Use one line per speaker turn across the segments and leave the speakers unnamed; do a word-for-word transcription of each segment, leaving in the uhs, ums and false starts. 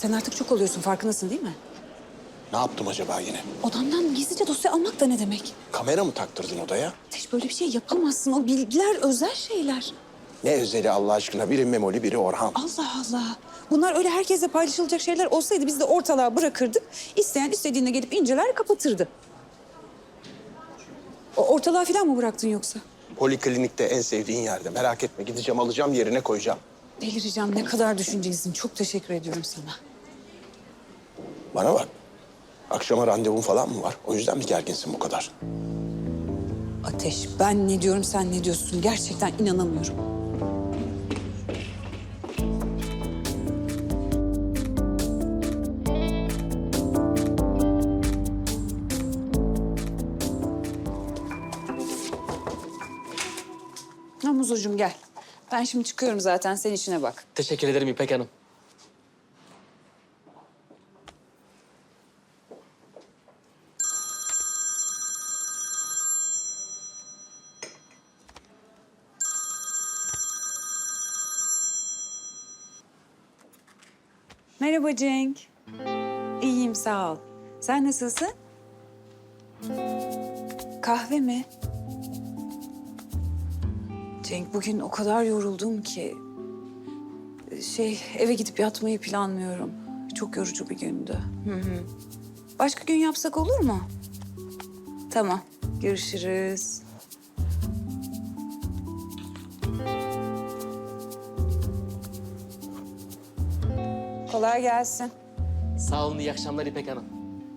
Sen artık çok oluyorsun, farkındasın değil mi?
Ne yaptım acaba yine?
Odamdan gizlice dosya almak da ne demek?
Kamera mı taktırdın odaya?
Ateş, böyle bir şey yapamazsın. O bilgiler özel şeyler.
Ne özeli Allah aşkına? Biri Memoli, biri Orhan.
Allah Allah. Bunlar öyle herkesle paylaşılacak şeyler olsaydı biz de ortalığa bırakırdık. İsteyen istediğine gelip inceler, kapatırdı. O ortalığa falan mı bıraktın yoksa?
Poliklinikte en sevdiğin yerde. Merak etme, gideceğim alacağım, yerine koyacağım.
Delireceğim. Ne kadar düşüncelisin. Çok teşekkür ediyorum sana.
Bana bak. Akşama randevun falan mı var? O yüzden mi gerginsin bu kadar?
Ateş, ben ne diyorum, sen ne diyorsun? Gerçekten inanamıyorum. Muzucuğum gel. Ben şimdi çıkıyorum zaten. Sen işine bak.
Teşekkür ederim İpek Hanım.
Merhaba Cenk. İyiyim, sağ ol. Sen nasılsın? Kahve mi? Cenk, bugün o kadar yoruldum ki... Şey, eve gidip yatmayı planlıyorum. Çok yorucu bir gündü. Hı hı. Başka gün yapsak olur mu? Tamam, görüşürüz. Kolay gelsin.
Sağ olun, iyi akşamlar İpek Hanım.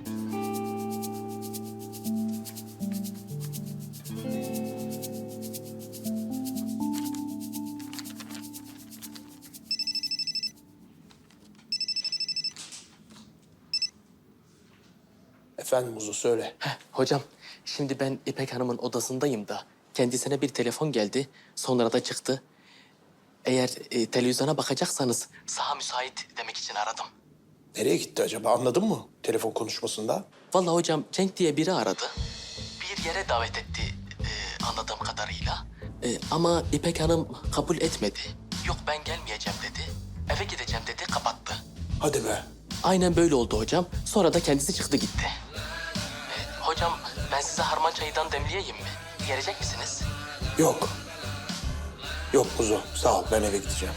Efendim Muzu, söyle.
Heh, hocam, şimdi ben İpek Hanım'ın odasındayım da kendisine bir telefon geldi, sonra da çıktı. Eğer e, televizyona bakacaksanız saha müsait demek için aradım.
Nereye gitti acaba? Anladın mı telefon konuşmasında?
Vallahi hocam, Cenk diye biri aradı. Bir yere davet etti e, anladığım kadarıyla. E, ama İpek Hanım kabul etmedi. Yok, ben gelmeyeceğim dedi. Eve gideceğim dedi, kapattı.
Hadi be.
Aynen böyle oldu hocam. Sonra da kendisi çıktı gitti. E, hocam, ben size harman çayından demleyeyim mi? Gelecek misiniz?
Yok. Yok Muzu, sağ ol. Ben eve gideceğim.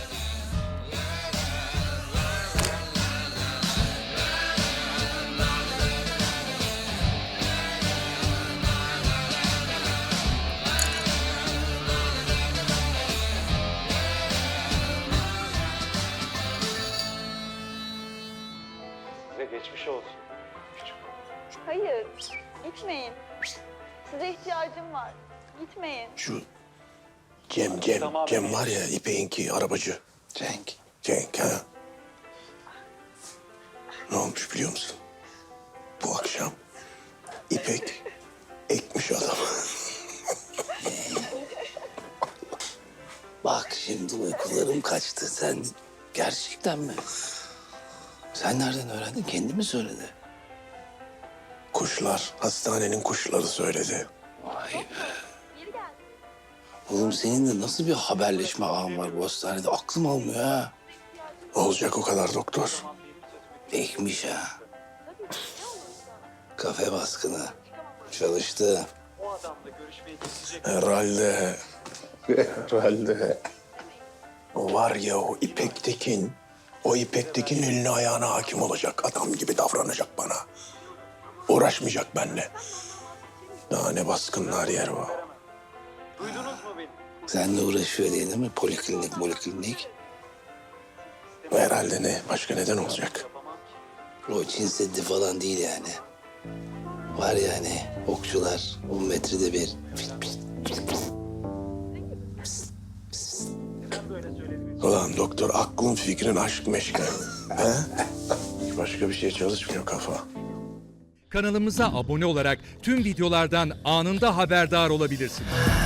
Size geçmiş olsun. Küçük.
Hayır, gitmeyin. Size ihtiyacım var. Gitmeyin.
Şu Cem, Cem,
Tamam.
Cem var ya İpek'inki arabacı.
Cenk.
Cenk ha. Ne olmuş biliyor musun? Bu akşam İpek ekmiş adamı.
Bak şimdi uykularım kaçtı. Sen gerçekten mi? Sen nereden öğrendin? Kendi mi söyledi?
Kuşlar, hastanenin kuşları söyledi.
Vay be. Oğlum senin de nasıl bir haberleşme ağın var bu hastanede? Aklım almıyor ha.
Olacak o kadar doktor.
Ekmiş ha. Kafe baskını. Çalıştı.
O adamla görüşmeye gidecek.
Herhalde. Herhalde. O var ya o İpek Tekin. O İpek Tekin eline ayağına hakim olacak. Adam gibi davranacak bana. Uğraşmayacak benimle. Daha ne baskınlar yer var.
Duydunuz mu beni?
Seninle uğraşıyor diye değil mi? Poliklinik, poliklinik.
Herhalde ne? Başka neden olacak?
O Çin Seddi falan değil yani. Var yani okçular on metrede bir.
Ulan doktor aklın fikrin aşk meşk. He? Başka bir şey çalışmıyor kafa.
Kanalımıza abone olarak tüm videolardan anında haberdar olabilirsiniz.